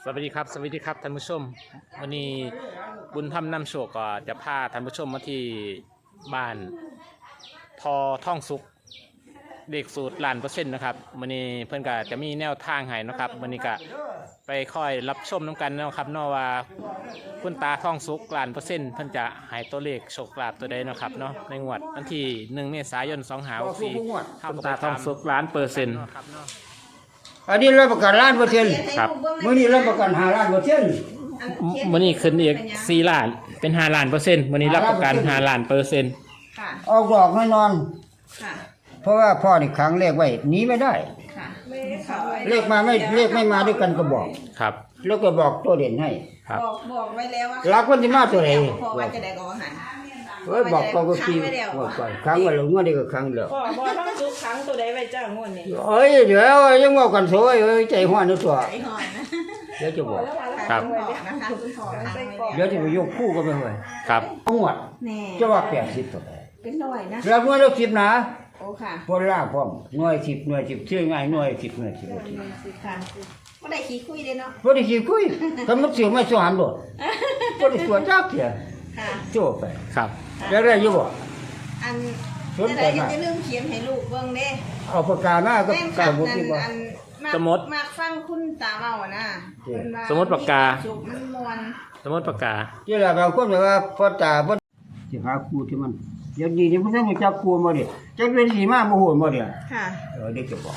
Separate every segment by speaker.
Speaker 1: สวัสดีครับท่านผู้ชมวันนี้บุญธรรมนำโชคก็จะพาท่านผู้ชมมาที่บ้านทอท่องสุขเด็กสูตร1,000%นะครับวันนี้เพื่อนก็จะมีแนวทางให้นะครับวันนี้ก็ไปค่อยรับชมน้ำกันนะครับเนาะว่าคุณตาท่องสุข1,000%เพื่อนจะให้ตัวเลขโชคลาภตัวใดนะครับเนาะในงวดวันที่1 เมษายน 2564คุณตาท่องสุข1,000%
Speaker 2: อันนี้รับประกัน1,000,000
Speaker 1: ครับ
Speaker 2: มื้อนี้รับประกัน5,000,000%
Speaker 1: วันนี้ขึ้นอีก4 ล้านเป็น5,000,000%วันนี้รับประกัน5,000,000%
Speaker 3: ค่ะ
Speaker 2: ออกดอกแน่นอน
Speaker 3: ค่ะ
Speaker 2: เพราะว่าพ่อนี่ขังเลขไว้หนีไม่ได้
Speaker 3: ค่ะ
Speaker 2: เลขไม่มาด้วยกันก็บอก
Speaker 1: ครับ
Speaker 2: แล้วก็บอกตัวเด่นให้
Speaker 1: ครับ
Speaker 3: บอกไว้แล้วว่า
Speaker 2: รักวันที่มาตัวไหน
Speaker 3: พอว่าจะได้ก็หัน
Speaker 2: เอ้ยบอกก็คิดว่าไปขังไว้แล้วงวดนี้ก็ขังแล้ว
Speaker 4: พ่อบ่ทั้งทุกครั้งตัวใดไว้จ้างวดนี่
Speaker 2: เอ้ยเดี๋ยวยังเว้ากันโซยเอ้ยใจฮ้อนอยู่ตัว
Speaker 3: ไอ้หอนนะ
Speaker 2: เดี๋ยวจะบอก
Speaker 1: ครับ
Speaker 3: คุณพ่อนะคะคุณพ่อทางไว้แล้ว
Speaker 2: เดี๋ยวจะไปยกคู่กันไปไว้
Speaker 1: ครับ
Speaker 2: งวด
Speaker 3: แน่
Speaker 2: จะว่า80ตัว
Speaker 3: เป็นหน่อยนะ
Speaker 2: แล้วงวดละ10นะ
Speaker 3: โอ้ค่ะ
Speaker 2: พอล่าพร้อมหน่วย10ชื่อง่ายหน่วย10หน่วย10
Speaker 3: ค่ะก็ได้ขี้คุยเลยเนาะ
Speaker 2: บ่ได้สิคุยคำมันสิมาสอนโดดบ่ได้สวนจักเที่ย
Speaker 3: ค่ะ
Speaker 2: โจไป
Speaker 1: ครับ
Speaker 2: แล้วได้อยู่บ่
Speaker 3: อัน
Speaker 2: สนใจ
Speaker 3: แต่
Speaker 2: มาก
Speaker 3: จะลืมเขียนให้ลูกเบิ่งเด้
Speaker 2: เอาปากกามาก็
Speaker 3: แม่น
Speaker 2: กา
Speaker 3: คั
Speaker 2: ร
Speaker 3: บ
Speaker 2: บ่
Speaker 3: นั่
Speaker 2: สิ
Speaker 3: น
Speaker 2: บ่
Speaker 3: อันมากฟังคุณตาเว้านะ
Speaker 1: สมมุติปากกา
Speaker 3: สุกมันมวน
Speaker 1: สมมติปากกา
Speaker 2: ที่ล่ะบางคนว่าพ่อตาบ่สิหาครูที่มันเดี๋ยวนี้นี่บ่ทันรู้จักครูบ่เด้จักเป็นสิมาบ่ฮู้บ่เด้
Speaker 3: ค่ะ
Speaker 2: เด็กจะบอก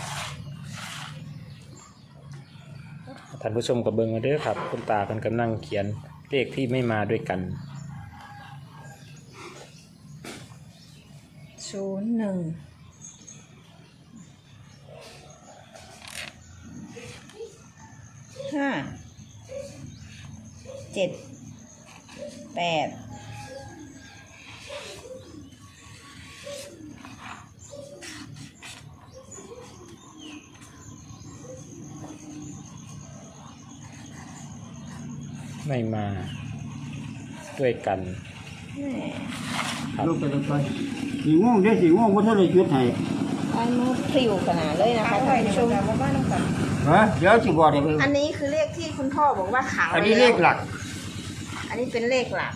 Speaker 1: ท่านผู้ชมกับเบิ้งมาเด้อครับ คุณตาเป็นกำลังเขียนเลขที่ไม่มาด้วยกัน
Speaker 3: 01 5 7 8
Speaker 1: ไม่มาด้วยกัน ครับ
Speaker 2: ลูกไปเลยไปสิงงเด้สิงงบ่ทันได้จุดให้
Speaker 3: อันมือพริ้วขนาดเลยนะคะท่านผู้ชม
Speaker 4: มาบ้านน้ำกัน
Speaker 2: ฮะเดี๋ยวสิบอกได้เบิ่ง
Speaker 3: อันนี้คือเลขที่คุณพ่อบอกว่าขัง
Speaker 2: อันนี้เลขหลัก
Speaker 3: อันนี้เป็นเลขหลัก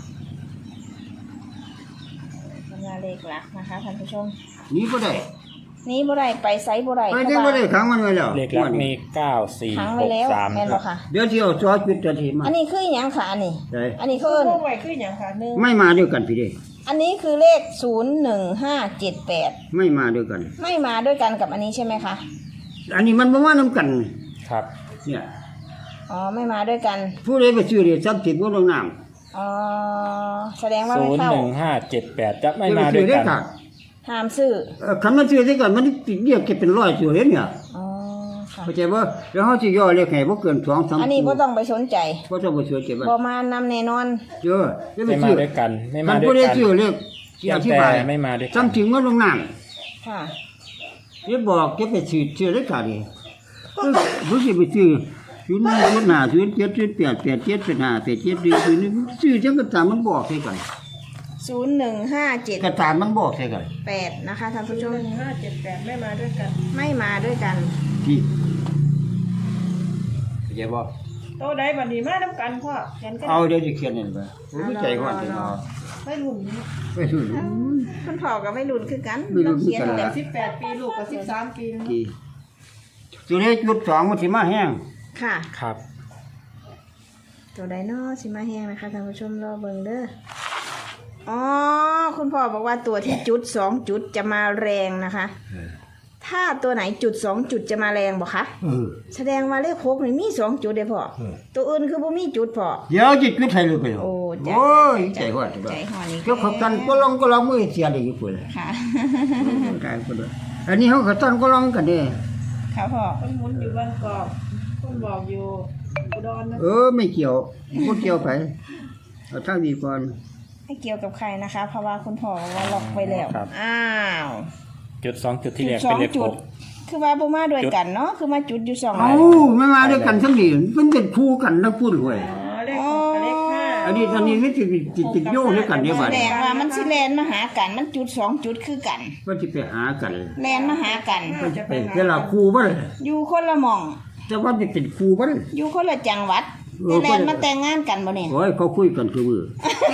Speaker 3: เป็นเลขหลักนะคะท่านผู้ชม
Speaker 2: นี้บ่ได้
Speaker 3: นี้บ่ได้ไปไซส์บ่ได้
Speaker 2: ไปได้บ่ได้ขังมันไว้แล้ว
Speaker 1: เลขหลักมี9
Speaker 3: ขัง
Speaker 1: 4
Speaker 3: ไว้แล้ว
Speaker 1: 6
Speaker 3: แม่น
Speaker 1: 3
Speaker 3: บ่ค่ะ
Speaker 2: เดี๋ยวสิเอาซอจุดตัวที่มา
Speaker 3: อันนี้คือหยังค่ะอันนี้
Speaker 2: ได้
Speaker 3: อันนี้คือ
Speaker 4: พวกไว้คือหยังค่ะหนึ่ง
Speaker 2: ไม่มาด้วยกันพี่เด้
Speaker 3: อันนี้คือเลข01578
Speaker 2: ไม่มาด้วยกัน
Speaker 3: ไม่มาด้วยกันกับอันนี้ใช่ไหมคะ
Speaker 2: อันนี้มันบ่มานํกัน
Speaker 1: ครับ
Speaker 2: เนี่ย
Speaker 3: อ๋อไม่มาด้วยกัน
Speaker 2: ผู้ใดไปซื้อเรียทรัพย์สินบ่ลงน้ำ
Speaker 3: อ๋อแสดงว่าไม่เข้า
Speaker 1: 01578จะไม่มาด้วยกัน
Speaker 3: ห้ามซื้อ
Speaker 2: คันมันซื้อได้ก่อนมันเรียกเก็บเป็น100ซื้อเห็นเนี่ย
Speaker 3: อ๋อค่ะ
Speaker 2: เข้าใจบ่แล้วเฮาสิย่อเลขให้บ่เกิน2-3
Speaker 3: อันนี้บ่ต้องไปสนใจ
Speaker 2: บ่ต้องไปซื้อเก็บไว้
Speaker 3: บ่มานำแน่นอน
Speaker 2: เจอจะไป
Speaker 1: ไม่มา
Speaker 2: ซื้อ
Speaker 1: ด้วยกัน ไม่
Speaker 2: คั
Speaker 1: มาน ด้ว
Speaker 2: ผู้
Speaker 1: ย
Speaker 2: ใด
Speaker 1: กัน
Speaker 2: ซื้อเลขที่อธิบาย
Speaker 1: แต่ไม่มาด้วยกัน
Speaker 2: จำถึงว่าลงน้ำ
Speaker 3: ค่ะ
Speaker 2: เดี๋ยวบอกจะไปซื้อได้ก่อนดิบ่สิไปซื้อ05 07 08 87 85 87ซื้อจังก็ตามมันบอกใส่กัน
Speaker 3: 0157
Speaker 2: ก็ตามมันบอกใส่กัน
Speaker 3: 8นะคะท่านผู้ชม
Speaker 4: 1578ไม่มาด้วยกัน
Speaker 3: ไม่มาด้วยกัน
Speaker 2: ที่เข้าใจบ่
Speaker 4: โตใดบัดนี้มาน้ำกันพ่อเขียนกัน
Speaker 2: เอาเดี๋ยวสิเขียนนั่นไปผมใจฮ้อนสิเนาะ
Speaker 4: ไม่รุ่น
Speaker 2: ไปซื้อ
Speaker 3: คุณพ่อก็ไม่รุนคือกัน
Speaker 2: ไม่รุนคือ
Speaker 3: เขียน
Speaker 2: กัน
Speaker 3: แต่
Speaker 4: 18 ปีลูกก็13 ปีแล้ว
Speaker 2: ที่ตัวเลขจุด2มันสิมาแห้ง
Speaker 3: ค่ะ
Speaker 1: ครับ
Speaker 3: ตัวไดโนสิมาแห้งนะคะท่านผู้ชมรอเบิ่งเด้ออ๋อคุณพ่อบอกว่าตัวที่จุด2จุดจะมาแรงนะคะ ถ้าตัวไหนจุด2จุดจะมาแรงบ่คะ แสดงว่าเลข6นี่มี2จุดเด้อพ่อตัวอื่นคือบ่มีจุดพ่อ
Speaker 2: เดี๋ยวจะจุดให้เลยไป
Speaker 3: โอ้จ้ะ
Speaker 2: โอ้ยใจฮ้อน
Speaker 3: ใจหอนี่
Speaker 2: เจ้าขับตันก็ลองมือเสียได้อยู่พุ่น
Speaker 3: ค่ะ
Speaker 2: กายพุ่นอันนี้เฮาขับตันก็ลองกันเด้
Speaker 3: ค่ะพ่อ
Speaker 4: คนหมุนอยู่บางกอกคนบอกอยู่อุดรนะ
Speaker 2: ไม่เกี่ยวบ่เกี่ยวไปเอาทางนี้ก่อน
Speaker 3: ไม่เกี่ยวกับใครนะคะ เพราะว่าคุณพ่อบอกว่าล็อกไว้แล้ว
Speaker 1: ครับ
Speaker 3: อ้าว
Speaker 1: จุด2จุดที่แรก
Speaker 3: ส
Speaker 1: เป็
Speaker 3: อน ง
Speaker 1: เลข
Speaker 3: จุด คือว่าบ่มาด้วยกันเนาะคือมาจุดอยู่2
Speaker 2: เอ้าไม่มาด้วยกันทั้งนี้มันเป็นคู่กันนะพูดหวย
Speaker 4: อ๋อเลข6กับเลข5
Speaker 2: อันนี้ไม่ติดโยงด้วยกันเนี่ย
Speaker 3: แส
Speaker 2: บัด
Speaker 3: ดงว่ามันสิแลนมาหากันมันจุด2จุดคือกัน
Speaker 2: ว่าสิไปหากัน
Speaker 3: แลนมาหากัน
Speaker 2: ว่าสิไปเวลาคู่บ่ล่ะ
Speaker 3: อยู่คนละหม่อง
Speaker 2: แต่ว่าสิเป็นคู่บ่ล่ะ
Speaker 3: อยู่คนละจังหวัดแลนมาแต่งงานกันบ่เนี่ย
Speaker 2: โอ้ยเขาคุยกันคือมือ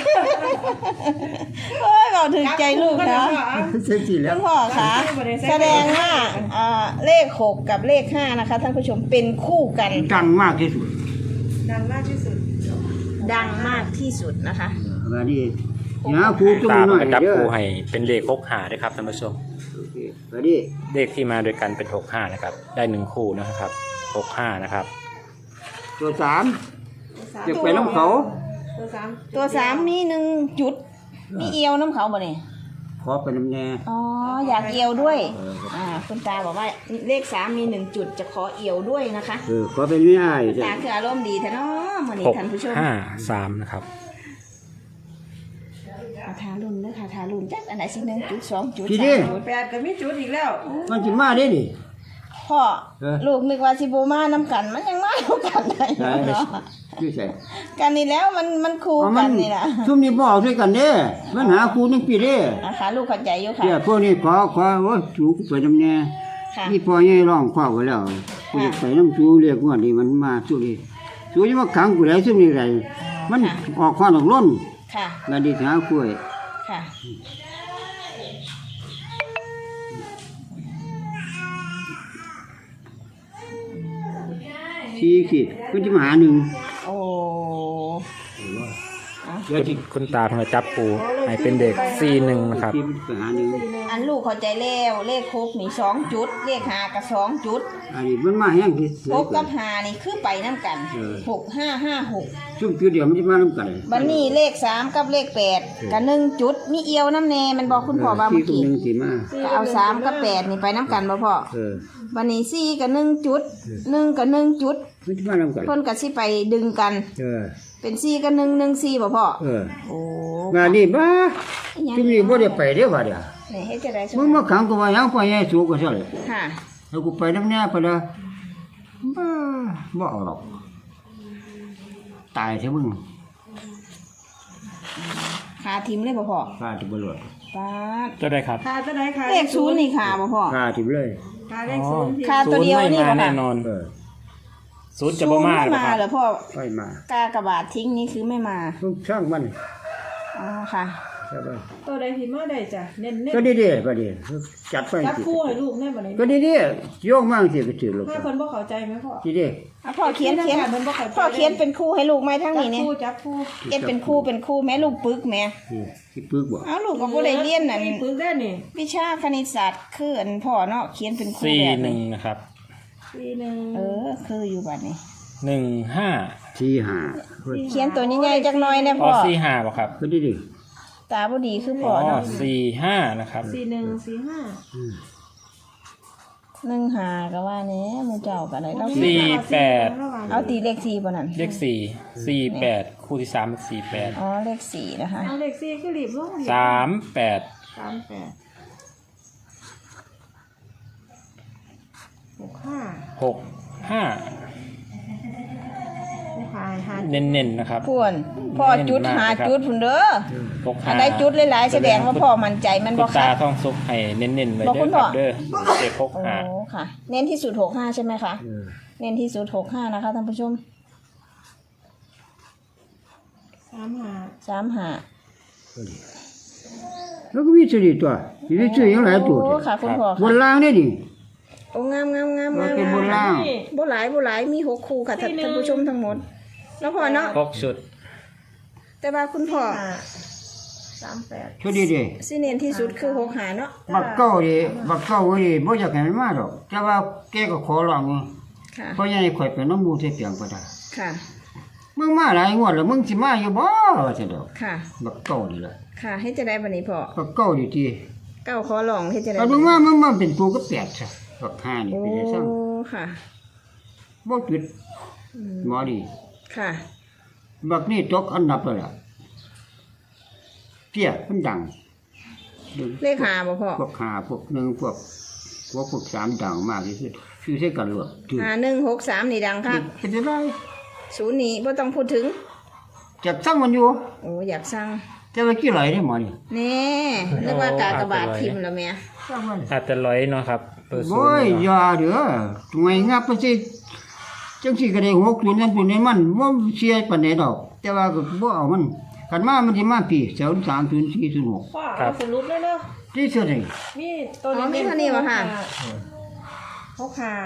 Speaker 3: โอ้ยเราถึงใจลูกนะ
Speaker 2: เสร็จสิแล้
Speaker 3: คุ
Speaker 2: ว
Speaker 3: ณพ่อคะแสดงว่าเลข6กับเลข5นะคะท่านผู้ชมเป็นคู่กัน
Speaker 2: ดังมากที่สุด
Speaker 4: ดังมากที่สุด
Speaker 3: ดังมากที่สุดนะคะ
Speaker 2: มานี่หาครูตุ้ม
Speaker 1: ตา
Speaker 2: หน่อย
Speaker 1: จับ
Speaker 2: เด้อ
Speaker 1: ครูให้เป็นเลข65ด้วยครับท่านผู้ชม
Speaker 2: โอเคมาดิ
Speaker 1: เลขที่มาด้วยกันเป็น65นะครับได้1คู่นะครับ65นะครับ
Speaker 2: ตัวสามจะไปน้ำเขา
Speaker 3: ตัว3มี1จุดมีเอียวน้ำเขาบ่เนี่ย
Speaker 2: ขอไปน้ำแน่
Speaker 3: อ๋ออยากเอียวด้วยคุณตาบอกว่าเลข3มี1จุดจะขอเอียวด้วยนะคะ
Speaker 2: ขอไปไม่ได้
Speaker 3: ตาคืออารมณ์ดีแท้เนาะมื้อนี้ท่านผู้ชม
Speaker 1: 653นะครับ
Speaker 3: ทารุ่นเด้อค่ะทารุ่นจักอันไหนสิ1จุด2จุด
Speaker 2: พี่ดิ
Speaker 3: 3จุด
Speaker 4: 8ก็มีจุดอีกแล้ว
Speaker 2: มันจะมาได้ดิ
Speaker 3: พ่อลูกนึกว่าสิบ่มานํกันมันยังมานํกันได้
Speaker 2: ใช่
Speaker 3: เนาะ
Speaker 2: ชื่อใส่
Speaker 3: กันนี่แล้วมันคู่กันนี่ล่ะ
Speaker 2: ทุ่มนี้บอกด้วยกันเด้มันหาครูนึงปีเด้
Speaker 3: นะคะลูกเข้าใจอยู่ค่ะ
Speaker 2: เดี๋ยวพวกนี้ขอโอ้ยจูไปน้ำแน่
Speaker 3: ค่ะ
Speaker 2: นี่พอใหญ่ร้องขว้าไว้แล้วกูจะไปน้ำจูเรียกว่านี่มันมาสู้นี่สู้จะมาขังกูได้ซึ่งนี่ไรมันออกข้อนออกล้น
Speaker 3: ค่ะ
Speaker 2: งานดีหาคุย
Speaker 3: ค่ะ
Speaker 2: ชี้ขีดกูจะมาหาหนึ่ง
Speaker 3: โอ้
Speaker 2: เดี๋ยวที่
Speaker 1: คุณตาทำไมจับครูให้เป็นเด็ก41นะครับ
Speaker 2: ที่ไปหาหนึ่ง
Speaker 3: อันลูกเข้าใจแล้วเลข6นี่2จุดเลข5ก็2จุด
Speaker 2: อันนี้มันมาแห้งที่
Speaker 3: 6กับ5นี่คือไปนํกัน6556
Speaker 2: ซุ่มจุดเดียวมันจะมาน้ำกัน
Speaker 3: บัดนี้เลข3กับเลข8ก็1จุดมีเอียวน้ำแน่มันบอกคุณพ่อว่าเมื่อกี้
Speaker 2: หนึ่งสีมา
Speaker 3: ก็เอา3กับ8นี่ไปนํกันบ่พ่อ วันนี้4กับ1จุด1กับ1จุด
Speaker 2: มันจะมาน้ำกัน
Speaker 3: เพิ่นก็สิไปดึงกัน เป็น4กับ1 1 4บ่พ่อโอ้
Speaker 2: งานนี้บ้าจุ่มนี้บ่ได้ไปเด้อว่าเดี๋ยว
Speaker 3: นี่เฮ็ดจังได๋
Speaker 2: มึงมาขังกูว่ายังไปยังสูงก็ใช่เลย
Speaker 3: ค่ะ
Speaker 2: แล้วกูไปน้ำแน่ไปละบ้าบ่เอาหรอกตายใช่มึง
Speaker 3: ขาทิมเลยบ่พ่อ
Speaker 2: ฆ่าที่บ่รอด
Speaker 3: ปาด
Speaker 1: จะได้ครับ
Speaker 4: ค่าตัวไหนค่ะ
Speaker 3: เลข0นี่ขาบ่พ่อ
Speaker 2: ฆ่าที่เลย
Speaker 4: ค่าเลขศูนย์ที่
Speaker 3: ขาตัวเดียวนี่
Speaker 1: ศู
Speaker 3: บ่
Speaker 1: นย์ไม่มาแน่
Speaker 3: ค่ะ
Speaker 1: นอน ศูนย์จะ
Speaker 3: ศู
Speaker 1: บ่
Speaker 3: นย์
Speaker 1: มา
Speaker 3: ไม่
Speaker 1: หรอ
Speaker 3: มา
Speaker 1: ครับ
Speaker 3: เหรอพ่อ
Speaker 2: ไปมาก
Speaker 3: ากระบาดทิ้งนี่คือไม่มา
Speaker 2: ต้องช่างมัน
Speaker 3: อ๋อค่ะ
Speaker 2: ใช่ป่ะ
Speaker 4: ตัวใดที่มาได้จ้ะเน้น
Speaker 2: ก็ดีๆก็ดีจัดไป
Speaker 4: จับ
Speaker 2: สิ
Speaker 4: คู่ให้ลูกแน่บ่ได้
Speaker 2: ก็ดีๆโยกมากสิไปถือลูก
Speaker 4: ถ้าเพิ่นบ่เข้าใจไหมพ่อ
Speaker 2: ดี
Speaker 3: อ่ะพ่อเขียน
Speaker 4: เพิ่นบ่เข้าใจ
Speaker 3: พ่อเขียนเป็นคู่ให้ลูกไหมทั้ง
Speaker 4: จับ
Speaker 3: นี้เนี่ย
Speaker 4: คู่จับคู่
Speaker 3: เอ็ดเป็นคู่แม่ลูกปึกแม่
Speaker 2: ที่ปึกบ่
Speaker 3: เอาลูกก็บ่ได้เรียนนั่น
Speaker 4: มีปึกได้นี่
Speaker 3: วิชาคณิตศาสตร์คืออันพ่อเนาะเขียนเป็นคู่
Speaker 1: สี่
Speaker 3: แบบ
Speaker 1: หนึ่
Speaker 3: นี้
Speaker 1: งนะครับ
Speaker 3: คืออยู่บัดนี้
Speaker 1: 15
Speaker 2: ที่หา
Speaker 3: เขียนตัวใหญ่ๆจักหน่อยนะ
Speaker 1: อ๋
Speaker 3: พ่
Speaker 1: อ
Speaker 3: อ
Speaker 1: 45ป่ะครับ
Speaker 2: ก็ดี
Speaker 3: ตาบ่ดีคือ
Speaker 1: อ๋
Speaker 3: พ่อ
Speaker 1: อ
Speaker 3: เนาะ
Speaker 1: 45นะครับ
Speaker 3: 15ก็ว่าแหน่หมู่เจ้าก็ได้เรา
Speaker 1: 48
Speaker 3: เอาตีเลข4บ่นั่น
Speaker 1: เลข48คู่ที่3เป็น48
Speaker 3: อ๋อเลข4นะคะ
Speaker 4: เอาเลข4คือรีบลง
Speaker 1: 38
Speaker 4: 35
Speaker 1: 65 เน้นๆนะครับ
Speaker 3: พ่วนพ่อจุดหาจุดพุ่นเด้อ
Speaker 1: 65
Speaker 3: อันใดจุดหลายๆแสดงว่าพ่อมั่นใจมัน
Speaker 1: คุ
Speaker 3: บ่
Speaker 1: ณ
Speaker 3: ค่ะ
Speaker 1: ตาท่องสุกให้เน้นๆไว้
Speaker 3: บอก
Speaker 1: เด้
Speaker 3: คุ
Speaker 1: อ
Speaker 3: ณ
Speaker 1: ค
Speaker 3: พ่
Speaker 1: รั
Speaker 3: อ
Speaker 1: บเด้อเด็ก
Speaker 3: โอ้ค่ะ เน้นที่สุด65ใช่ไหมคะ เน้นที่สุด65นะคะท่านผู้ชม
Speaker 4: 35
Speaker 3: 35
Speaker 2: แล้วก็มีสติตัวมีชื่อยังหลายตัว
Speaker 3: โอ้ค่ะคุณพ่อบ
Speaker 2: นล่างนี่ดิ
Speaker 3: โอ้งามงามงาม
Speaker 2: มัน
Speaker 3: งาม
Speaker 2: เป็นบนล่าง
Speaker 3: บ่หลายมี6คู่ค่ะท่านผู้ชมทั้งหมดแล้วพ่อเนาะ
Speaker 1: 6ชุด
Speaker 3: แต่ว่าคุณพ่อ
Speaker 4: 38
Speaker 2: ช่วยดี
Speaker 3: สิเน้นที่สุดคือ65เนาะ
Speaker 2: บักเก้าดิบ่อยากให้มันมาดอกแต่ว่าแกก็ขอร้อง
Speaker 3: ค่ะ
Speaker 2: เพราะยังข่อยเป็นน้ำมูใส่เปียงก็ได้
Speaker 3: ค่ะ
Speaker 2: มึงมาหลายงวดแล้วมึงสิมาอยู่บ่ว่าซั่นดอก
Speaker 3: ค่ะ
Speaker 2: บักเก้านี่ล่ะ
Speaker 3: ค่ะเฮ็ดจะได้บัดนี้พ่อ
Speaker 2: บักเก้านี่ที่
Speaker 3: เก้าขอลองเฮ็ดจะได้
Speaker 2: เอาดูว่ามันมาเป็นตัวก็แปดซะบักห้านี่
Speaker 3: โอ้
Speaker 2: เป็นได้ซั่ง
Speaker 3: ค่ะ
Speaker 2: บ่จุดหมอดี
Speaker 3: ค่ะ
Speaker 2: บักนี่ตกอันดับแล้วล่ะเตี้ยมันดัง
Speaker 3: เลข5บ่พ่อ
Speaker 2: พวกหาพวกหนึ่งพวกสามดังมากที่สุดคือใช้กันหลวดถือ
Speaker 3: 5163นี่ดังค่ะ
Speaker 2: เป็นจะได้
Speaker 3: ศูนย์นี้บ่ต้องพูดถึง
Speaker 2: จับสั่งมันอยู่
Speaker 3: โอ้อยากสั่ง
Speaker 2: แต่ว่ากี่ไหลได้หมอนี่
Speaker 3: แน่นึกว่ากากบาทพิมพ์แล้วแม่
Speaker 2: สั่งมัน
Speaker 1: อาจจะร้อยเนาะครับเปิดศูน
Speaker 2: โอ้ย
Speaker 1: ย์เนาะ
Speaker 2: อย่าเด้อทำไมงับไปสิจังสิก็ได้60นั่นปุ่นนี่มันบ่เสียปานใดดอก แต่ว่าก็บ่เอามันคันมามันสิมาปี030406
Speaker 4: พ่อเอาสรุปเลยเนาะ
Speaker 2: ที่สุดนี่
Speaker 4: มีตัว
Speaker 3: อ๋อมีเท่านี้บ่ค่ะ
Speaker 4: หกห้า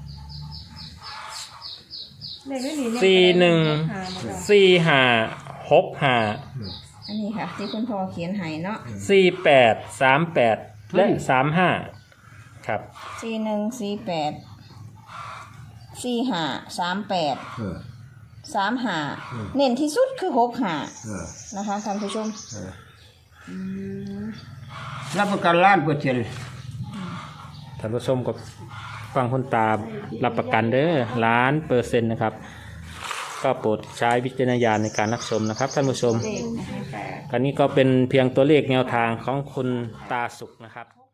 Speaker 4: เลขไม่หนี
Speaker 1: สี่หนึ่ง สี่ห้าหกห้า
Speaker 3: อันนี้ค่ะ ที่คุณพ่อเขียนให้เนาะ
Speaker 1: 48 38 และ 35 ครับ
Speaker 3: 4148 4538
Speaker 2: เออ
Speaker 3: 35เน้นที่สุดคือ65
Speaker 2: เออ
Speaker 3: นะคะท่านผู้ชม
Speaker 2: รับประกัน1,000,000%
Speaker 1: ท่านผู้ชมกับฟังคุณตารับประกันเด้อ1,000,000%นะครับ ก็โปรดใช้วิจารณญาณในการรับชมนะครับท่านผู้ชม
Speaker 4: เลขนะคะ
Speaker 1: อันนี้ก็เป็นเพียงตัวเลขแนวทางของคุณตาสุขนะครับ